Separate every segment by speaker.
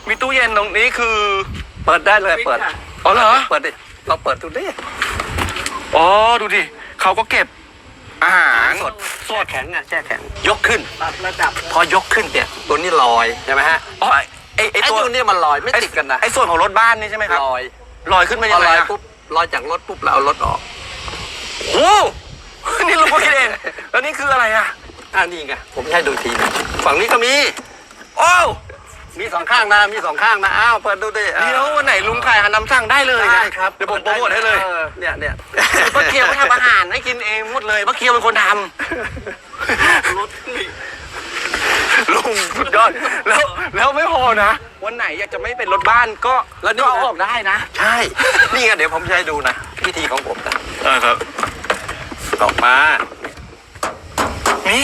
Speaker 1: มีตู้เย็นตรงนี้คือ
Speaker 2: เปิดได้เลยเปิด
Speaker 1: อ๋อเหรอ
Speaker 2: เปิดดิเราเปิดดูดิ
Speaker 1: อ๋อดูดิเขาก็เก็บอาหาร
Speaker 2: สด
Speaker 1: สด
Speaker 2: แข็งอ่ะแช่แข็งยกขึ้น
Speaker 3: ปรับระดับ
Speaker 2: พอยกขึ้นเนี่ยตัวนี้ลอยใช่ไหมฮะ
Speaker 1: อ๋อไอ
Speaker 2: ไอ้
Speaker 1: ตัว
Speaker 2: ตัวนี้มันลอยไม่ติดกันนะ
Speaker 1: ไอส่วนของรถบ้านนี่ใช่ไหมครับ
Speaker 2: ลอย
Speaker 1: ลอยขึ้นมา
Speaker 2: พ
Speaker 1: ยั
Speaker 2: อง
Speaker 1: ไง
Speaker 2: ลอย
Speaker 1: อะ
Speaker 2: ปุ๊บลอยจากรถปุ๊บเราเอารถออก
Speaker 1: โอ้โหนี่ลุงก็คิดเองแล้วนี่คืออะไรอะ
Speaker 2: นี่ไงผมให้ดูทีนะฝั่งนี้ก็มี
Speaker 1: โอ้ว
Speaker 2: มีสองข้างนะมีสองข้างนะอ้าวเปิดดูดิ
Speaker 1: เดี๋ยววันไหนลุงขายอาหารนำสั่งได้เลยนะ
Speaker 2: ได้ครับ
Speaker 1: เดี๋ยวผมโปรโมทให้เลย
Speaker 2: เนี่ย
Speaker 1: ป้าเกียวไม่ทำอาหารให้กินเองหมดเลยป้าเกียวเป็นคนท
Speaker 3: รถนี่
Speaker 1: ำลุงสุดยอดแล้วไม่พอนะวันไหนอยากจะไม่เป็นรถบ้านก็
Speaker 2: แล้วนี่
Speaker 1: ก็เอาออกได้นะ
Speaker 2: ใช่นี่ไงเดี๋ยวผมจะให้ดูนะวิธีของผมนะ
Speaker 1: ครับ
Speaker 2: ออกมา
Speaker 1: นี่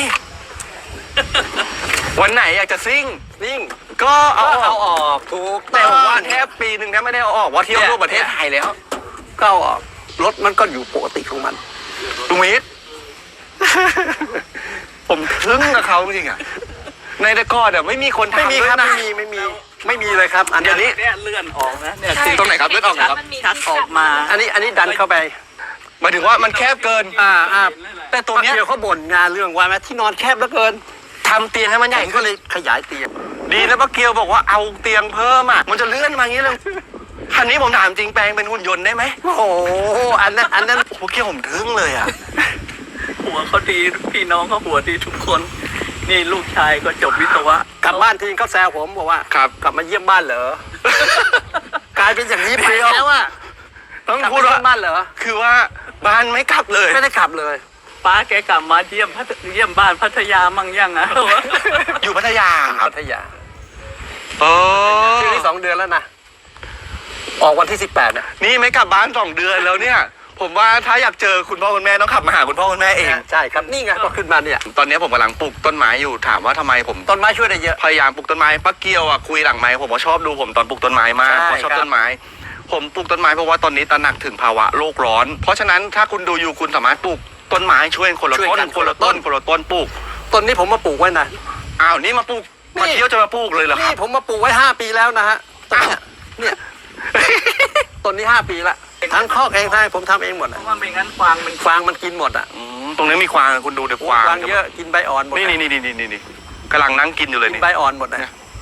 Speaker 1: วันไหนอยากจะซิ่ง
Speaker 2: นิ่ง
Speaker 1: ก็เอา
Speaker 2: เอา
Speaker 1: ออก
Speaker 2: ออกถูก
Speaker 1: แต่ผมว่าแท
Speaker 2: บ
Speaker 1: บปีหนึ่งแทบไม่ได้เอาออกว่าะเที่ยวทั่วประเทศไทยแล้ว
Speaker 2: ก็เอาออกรถมันก็อยู่ปกติของมัน
Speaker 1: ลุงมิตร ผมทึ่งกับเขาจริงๆอ่ะในแต่ก่อนอ่ะไม่มีคนทำ
Speaker 2: ไม่มีครับ
Speaker 1: ด้วยนะ
Speaker 2: ไม่มีเลยครับอัน
Speaker 1: เดี๋ยวนี้
Speaker 3: เนี่ยเลื่อนออกนะเนี่ย
Speaker 1: ตรงไหนครับเลือดออกเหรอครับ
Speaker 3: ชักออกมา
Speaker 2: อันนี้ดันเข้าไป
Speaker 1: หมายถึงว่ามันแคบเกิน แต่ตัวเนี้ย
Speaker 2: เดี๋ยวเขาบ่นงานเรื่องว่าแม่ที่นอนแคบเหลือเกิน
Speaker 1: ทำเตียงให้มันใหญ่
Speaker 2: ผม
Speaker 1: ขึ้
Speaker 2: ก็
Speaker 1: น
Speaker 2: เลยขยายเตียง
Speaker 1: ดีนะป้าเกียวบอกว่าเอาเตียงเพิ่มอ่ะมันจะเลื่อนมาอย่างนี้เลยคันนี้ผมถามจริงแปลงเป็นหุ่นยนต์ได้ไหม
Speaker 2: โอ้โหอันนั้น
Speaker 1: ป้าเกียวผมทึ่งเลยอ่ะ
Speaker 3: หัวเขาดีพี่น้องเขาหัวดีทุกคน นี่ลูกชายก็จบวิศวะ
Speaker 2: กลับบ้านทีเขาแซวผมบอกว่า
Speaker 1: ครับ
Speaker 2: กลับมาเยี่ยมบ้านเหรอ กลายเป็นอย่างนี้ไปแล้วอ่ะ
Speaker 1: ต้อง
Speaker 2: กลับ
Speaker 1: พูด
Speaker 2: มา
Speaker 1: ว่า
Speaker 2: เยี่ยมบ้านเหรอ
Speaker 1: คือว่าบ้านไม่กลับเลย
Speaker 2: ไม่ได้ขับเลย
Speaker 3: ป้าแกกลับมาเยี่ยมบ้านพัทยามั่งยังอ่ะ
Speaker 1: อยู่พัทยาครับ
Speaker 2: พัทยา
Speaker 1: โอ้
Speaker 2: ชื่อนี้2 เดือนแล้วนะออกวันที่18เนี่ย
Speaker 1: นี่ไม่กลับบ้าน2 เดือนแล้วเนี่ย ผมว่าถ้าอยากเจอคุณพ่อคุณแม่ต้องขับมาหาคุณพ่อคุณแม่เอง
Speaker 2: ใช่ครับนี่ไงก็ขึ้นมาเนี่ย
Speaker 1: ตอนนี้ผมกำลังปลูกต้นไม้อยู่ถามว่าทำไมผม
Speaker 2: ต้นไม้ช่วยได้เยอะ
Speaker 1: พยายามปลูกต้นไม้ป้าเกียวอ่ะคุยหลังไม้ผมว่าชอบดูผมตอนปลูกต้นไม้มาก
Speaker 2: ใช่
Speaker 1: เพราะชอบ
Speaker 2: ครับ
Speaker 1: ต้นไม้ ผมปลูกต้นไม้เพราะว่าตอนนี้ตระหนักถึงภาวะโลกร้อน เพราะฉะนั้นถ้าคุณดูอยู่คุณสามารถปลูกต้นไม้ช่วยคนละต้นคนละต้นคนละต้นปลูก
Speaker 2: ต้นนี้ผมมาปลูกไว้นะ
Speaker 1: อ้าวนี่มาปลูก
Speaker 2: นี่
Speaker 1: มาเที่ยวจะมาปลูกเลยเหรอค
Speaker 2: นี่
Speaker 1: รับ
Speaker 2: ผมมาปลูกไว้5 ปีแล้วนะฮะต้นเนี่ยต้นนี้5 ปีละทั้งคอกเองทั้งผมทำเองหมด
Speaker 3: เพ
Speaker 2: อะ
Speaker 3: ราะว่าไม่งั้นฟางมัน
Speaker 2: ฟางมันกินหมดอ่ะ
Speaker 1: ตรงนี้มีควางคุณดูเดี๋ยวควาง
Speaker 2: ฟางเยอะกินใบอ่อนหมด
Speaker 1: นี่
Speaker 2: อะ
Speaker 1: นี่กำลังนั่งกินอยู่เลย
Speaker 2: กิน
Speaker 1: นี่
Speaker 2: ใบอ่อนหมดนะ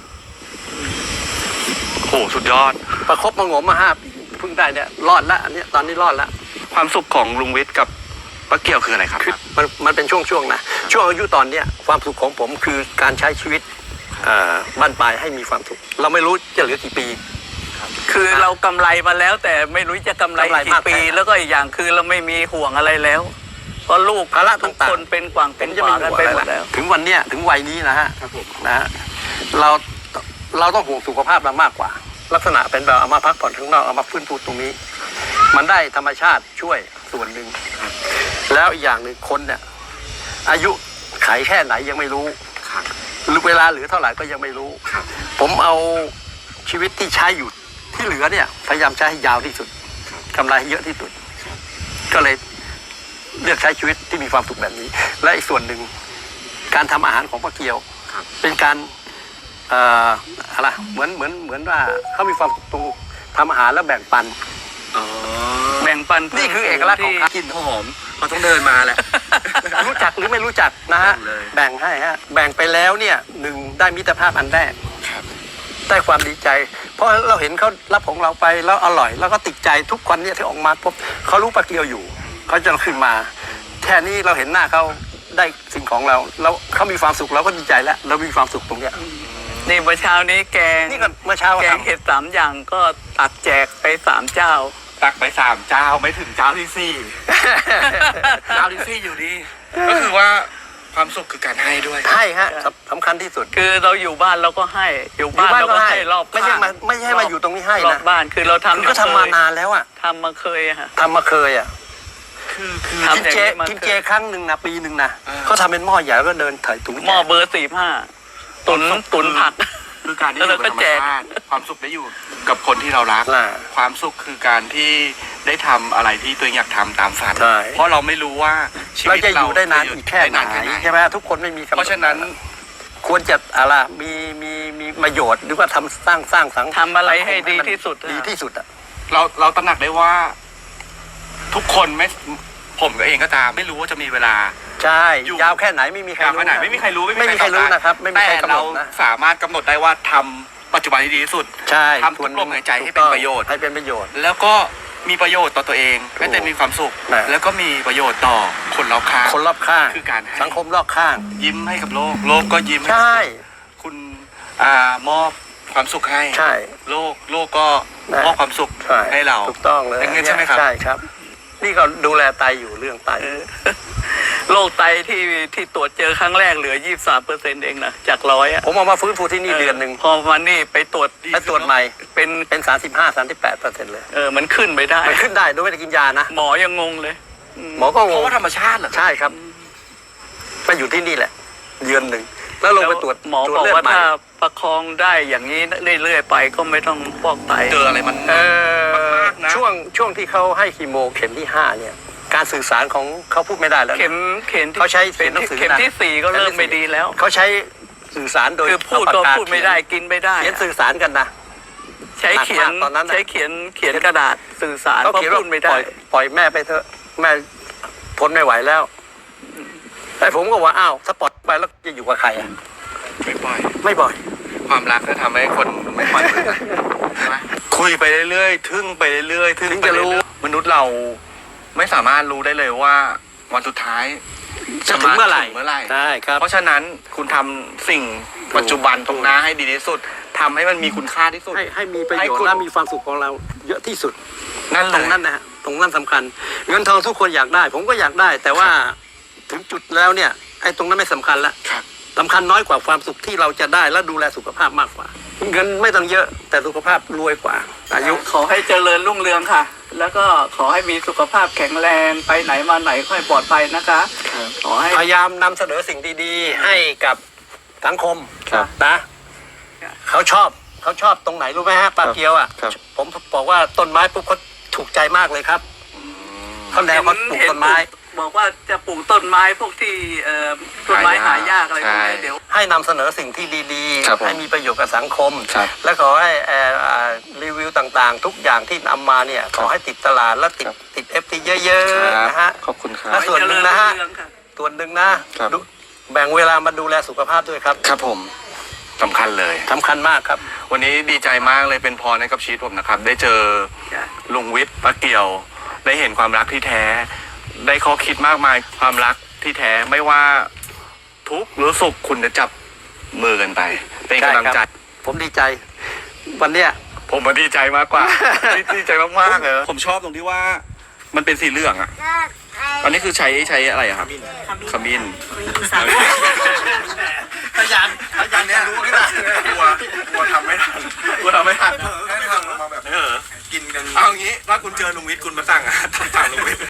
Speaker 1: โอ้โหสุดยอด
Speaker 2: ประคบมางมมา5 ปีเพิ่งได้เนี่ยรอดละอันนี้ตอนนี้รอดละ
Speaker 1: ความสุขของลุงวิทย์กับป้าเกียวคืออะไรครับ
Speaker 2: คือมันเป็นช่วงๆนะช่วงอายุตอนเนี้ยความสุขของผมคือการใช้ชีวิตบ้านปลายให้มีความสุขเราไม่รู้จะเหลือกี่ปี
Speaker 3: คือเรากำไรมาแล้ว แต่ไม่รู้จะกำไร
Speaker 2: กำไร
Speaker 3: กี่
Speaker 2: มาก
Speaker 3: ปี
Speaker 2: แค่ไหน
Speaker 3: แล้วก็อีกอย่างคือเราไม่มีห่วงอะไรแล้วเพราะลูก
Speaker 2: ภาระ
Speaker 3: ทุก
Speaker 2: ต่างๆ
Speaker 3: คนเป็นกวาง
Speaker 2: ผ
Speaker 3: เป็น
Speaker 2: ม
Speaker 3: ก
Speaker 2: จะ
Speaker 3: วา
Speaker 2: ไม่
Speaker 3: งกัน
Speaker 2: ห่วง
Speaker 3: ไป
Speaker 2: อะไร
Speaker 3: หมด
Speaker 2: ละ
Speaker 3: แล้ว
Speaker 2: ถึงวันเนี้ยถึงวัยนี้นะฮะนะฮะเราต้องห่วงสุขภาพเรามากกว่า ลักษณะเป็นแบบเอามาพักผ่อนข้างนอกเอามาฟื้นฟูตรงนี้ มันได้ธรรมชาติช่วยส่วนหนึ่งแล้วอีกอย่างหนึ่งคนเนี่ยอายุไขแค่ไหนยังไม่รู้หรือเวลาเหลือเท่าไหร่ก็ยังไม่รู้ ผมเอาชีวิตที่ใช้อยู่ที่เหลือเนี่ยพยายามใช้ให้ยาวที่สุดกำไรให้เยอะที่สุดก็เลยเลือกใช้ชีวิตที่มีความสุขแบบนี้ และอีกส่วนหนึ่งการทำอาหารของป้าเกียวเป็นการอะไรเหมือนว่าเขามีความสุขตรงทำอาหารแล้วแบ่งปัน
Speaker 3: แบ่งปัน
Speaker 2: นี่คือเอกลักษณ์ของ
Speaker 1: กลิ่นหอมเราต้องเดินมาแหละ
Speaker 2: รู้จักหรือไม่รู้จักนะฮะ
Speaker 1: แบ่งเลย
Speaker 2: แบ่งให้ฮะแบ่งไปแล้วเนี่ยได้มิตรภาพอันแรกได้ความดีใจ เพราะเราเห็นเขารับของเราไปแล้วอร่อย แล้วก็ติดใจทุกคนเนี่ยที่ออกมาพบเขารู้ปลาเกียวอยู่เขาจะขึ้นมาแค่นี้เราเห็นหน้าเขาได้สิ่งของเราแล้วเขามีความสุขเราก็ดีใจแล้วเรามีความสุขตรงเนี้ย
Speaker 3: นี่เมื่อเช้านี้แกง
Speaker 2: นี่ก็เมื่อเช้า
Speaker 3: แกง
Speaker 2: ทำ
Speaker 3: เห็ด3 อย่างก็ตักแจกไป3 เจ้า
Speaker 1: ตักไป3 เจ้าไม่ถึงเจ้าที่ 4 เจ้าที่ 4อยู่ดี ก็คือว่าความสุขคือการให้ด้วย
Speaker 2: ให้ฮะสำคัญที่สุด
Speaker 3: คือเราอยู่บ้านเราก็ให้อยู่บ้านเราก็ให้รอบ
Speaker 2: ไม่ใช่มาอยู่ตรงนี้ให้
Speaker 3: รอ
Speaker 2: นะ
Speaker 3: บบ้านคือเราทำ
Speaker 2: คือก็ทำมานานแล้วอ่ะ
Speaker 3: ทำมาเคยอะฮะ
Speaker 2: ทำมาเคยอ่ะ
Speaker 1: คือ
Speaker 3: ทำ
Speaker 2: กินเจ
Speaker 3: อย่างนี้มา
Speaker 2: กินเจครั้งหนึ่งนะปีหนึ่งนะ
Speaker 1: อ่า
Speaker 2: เขาทำเป็นหม้อใหญ่แล้วก็เดินถ่ายถุง
Speaker 3: หม้อเบอร์45ตุนผัก
Speaker 1: คือการที่อยู่กับธรรมชาติความสุขได้อยู่กับคนที่เรารัก
Speaker 2: น่ะ
Speaker 1: ความสุขคือการที่ได้ทำอะไรที่ตัวเองอยากทำตามฝัน
Speaker 2: ใช่
Speaker 1: เพราะเราไม่รู้ว่าชี
Speaker 2: เรา
Speaker 1: วิต
Speaker 2: จะอยู่ได้นาน
Speaker 1: จะ
Speaker 2: อีกแค่ไหน
Speaker 1: ด้า
Speaker 2: ใช่ไหมทุกคนไม่มีกำหนด
Speaker 1: เพราะฉะนั้น
Speaker 2: ควรจะอะไรมีประโยชน์หรือว่าทำสร้างสัง
Speaker 3: ทำอะไรให้ดีที่สุด
Speaker 2: ดีที่สุดอ่ะ
Speaker 1: เราตระหนักได้ว่า ทุกคนไม่ผมเองก็ตามไม่รู้ว่าจะมีเวลา
Speaker 2: ใช่
Speaker 1: อยู่
Speaker 2: ยาวแค่ไหนไม่มีใคร
Speaker 1: ยาว
Speaker 2: รู้
Speaker 1: ขนาดไม่มีใครรู้
Speaker 2: ไม่มีใครรู้นะครับไม่มี
Speaker 1: แต่
Speaker 2: ใครกำหน
Speaker 1: เรา
Speaker 2: ดนะ
Speaker 1: สามารถกำหนดได้ว่าทำปัจจุบันที่ดีที่สุด
Speaker 2: ใช่
Speaker 1: ทำทุกลมหายใจให้เป็นประโยชน์
Speaker 2: ให้เป็นประโยชน์
Speaker 1: แล้วก็มีประโยชน์ต่อตัวเองให้แต่มีความสุข
Speaker 2: นะ
Speaker 1: แล้วก็มีประโยชน์ต่อคนรอบข้าง
Speaker 2: คนรอบข้าง
Speaker 1: คือการให้
Speaker 2: สังคมรอบข้าง
Speaker 1: ยิ้มให้กับโลกโลกก็ยิ้ม
Speaker 2: ใช่
Speaker 1: คุณมอบความสุขให้
Speaker 2: ใช่
Speaker 1: โลกก็มอบความสุข
Speaker 2: ใช่
Speaker 1: ให้เรา
Speaker 2: ถูกต้องเลย
Speaker 1: อย่างนั้นใช่ไหมครับ
Speaker 2: ใช่ครับ นี่ก็ดูแลไตอยู่เรื่องไต
Speaker 3: โรคไตที่ตรวจเจอครั้งแรกเหลือ 23%เองนะจาก100อ่ะ
Speaker 2: ผมเอามาฟื้นฟูที่นี่เดือนหนึ่ง
Speaker 3: พอมานี่ไปตรวจ
Speaker 2: ไปตรวจใหม่
Speaker 3: เป็น
Speaker 2: 35-38%เลย
Speaker 3: มันขึ้นไปได้
Speaker 2: มันขึ้นได้โดยไม่ได้กินยานะ
Speaker 3: หมอยังงงเลย
Speaker 2: หมอก็ง
Speaker 1: เพราะ
Speaker 2: ง
Speaker 1: ว่าธรรมชาติเหรอ
Speaker 2: ใช่ครับไปอยู่ที่นี่แหละ เดือนหนึ่งแล้วลงไปตรวจ
Speaker 3: หมอ
Speaker 2: ตรว
Speaker 3: บ
Speaker 2: จ
Speaker 3: อก
Speaker 2: เลือด
Speaker 3: ว่า
Speaker 2: ใหม่
Speaker 3: ถ้าประคองได้อย่างนี้เรื่อยๆไปก็ไม่ต้องฟอกไต
Speaker 1: เจออะไรมัน มากนะ
Speaker 2: ช่วงที่เขาให้คีโมเข็มที่ 5 เนี่ย การสื่อสารของเขาพูดไม่ได้แล้วนะ
Speaker 3: เข็มที่
Speaker 2: เขาใช้เขียนหนังสือนะ
Speaker 3: เข็มที่ 4ก็เริ่มไม่ดีแล้ว
Speaker 2: เขาใช้สื่อสารโดย
Speaker 3: คือพูด
Speaker 2: เอา
Speaker 3: ก็
Speaker 2: ปากกา
Speaker 3: พูดไม่ได้กินไม่ได้
Speaker 2: เขียนสื่อสารกันนะ
Speaker 3: ใช้เขียน
Speaker 2: หนักมากตอนนั้นน่ะ
Speaker 3: ใช้เขียนกระดาษสื่อสาร
Speaker 2: เขา
Speaker 3: เพราะ
Speaker 2: เขียน
Speaker 3: พู
Speaker 2: ว่า
Speaker 3: ดไม่
Speaker 2: ป
Speaker 3: ได้
Speaker 2: ล่อยแม่ไปเถอะแม่ทนไม่ไหวแล้ว แต่ผมก็ว่าอ้าวถ้าปล่อยไปแล้วจะอยู่กับใครอ่ะ
Speaker 1: ไม่ปล่อย
Speaker 2: ไม่ปล่อย
Speaker 1: ความรักก็ทำให้คนไม่ปล่อยมือใช่ไหมคุยไปเรื่อยๆทึ่งไปเรื่อยๆทึ่ง
Speaker 2: ถึง
Speaker 1: ไป
Speaker 2: จะรู้
Speaker 1: เรื่อยๆมนุษย์เราไม่สามารถรู้ได้เลยว่าวันสุดท้าย
Speaker 2: จะถึงเมื่อไหร่
Speaker 1: ถึงเมื่อไหร่
Speaker 2: ใช่ครับ
Speaker 1: เพราะฉะนั้นคุณทำสิ่งปัจจุบันตรงหน้าให้ดีที่สุดทำให้มันมีคุณค่าที่สุด
Speaker 2: ให้มีประ
Speaker 1: ให้
Speaker 2: โยช
Speaker 1: คุณ
Speaker 2: น์และมีความสุขของเราเยอะที่สุด
Speaker 1: นั่น
Speaker 2: ต
Speaker 1: เล
Speaker 2: รง
Speaker 1: ย
Speaker 2: นั้นนะฮะตรงนั้นสำคัญ เงินทองทุกคนอยากได้ ผมก็อยากได้ แต่ว่าถึงจุดแล้วเนี่ยไอ้ตรงนั้นไม่สำคัญละ
Speaker 1: ครับ
Speaker 2: สำคัญน้อยกว่าความสุขที่เราจะได้และดูแลสุขภาพมากกว่า เงินไม่ต้องเยอะแต่สุขภาพรวยกว่า อายุ
Speaker 3: ขอให้เจริญรุ่งเรืองค่ะ แล้วก็ขอให้มีสุขภาพแข็งแรงไปไหนมาไหนค่อยปลอดภัยนะคะ ขอให้
Speaker 2: พยายามนำเสนอสิ่งดีๆ ให้กับสังคม
Speaker 1: ครับ
Speaker 2: นะเขาชอบตรงไหนรู้ไหมฮะปลาเกียวอ่ะ
Speaker 1: ครับ
Speaker 2: ผมบอกว่าต้นไม้ปุ๊บเขาถูกใจมากเลยครับเขาแนวเขาปลูกต้นไม้
Speaker 3: บอกว่าจะปลูกต้นไม้พวกที่ต้นไม้หายากอะไรพวกนี้เดี๋ยว
Speaker 2: ให้นำเสนอสิ่งที่ดี
Speaker 1: ครับผม
Speaker 2: ให้มีประโยชน์กับสังคม
Speaker 1: ครับ
Speaker 2: และขอให้รีวิวต่างๆ ทุกอย่างที่นำมาเนี่ยขอให้ติดตลาดและติดเอฟทีเยอะๆนะฮะ
Speaker 1: ขอบคุณครั
Speaker 2: และ
Speaker 1: บ
Speaker 2: ส่วนหนึ่งนะฮะ
Speaker 3: เจริญรุ่งเรืองค่
Speaker 2: ส่วนหนึ่งนะครับ ดูแบ่งเวลามาดูแลสุขภาพด้วยครับ
Speaker 1: ครับผมสำคัญเลย
Speaker 2: สำคัญมากครับ
Speaker 1: วันนี้ดีใจมากเลยเป็นพรให้กับชีวิตผมนะครับ ได้เจอ
Speaker 3: จ้ะ
Speaker 1: ลุงวิทย์ป้าเกี่ยว ได้เห็นความรักที่แท้ ได้ข้อคิดมากมายความรักที่แท้ไม่ว่าทุกข์หรือสุขคุณจะจับมือกันไป เป็นกำลังใจ
Speaker 2: ผมดีใจ วันเนี้ย
Speaker 1: ผมมาดีใจมากกว่า ดีใจมากๆเลยผมชอบตรงที่ว่ามันเป็นสีเหลืองอ่ะอันนี้คือใช้อะไรอะครับขมิ้น
Speaker 2: พยานเนี่ยรู้ไม่ได้
Speaker 1: กลัวทำไม่ทัน
Speaker 4: ให้ทำมาแบบ
Speaker 1: เออ
Speaker 4: กินกัน
Speaker 1: เอางี้ถ้าคุณเจอลุงวิทย์คุณมาสั่งอะสั่งลุงวิทย์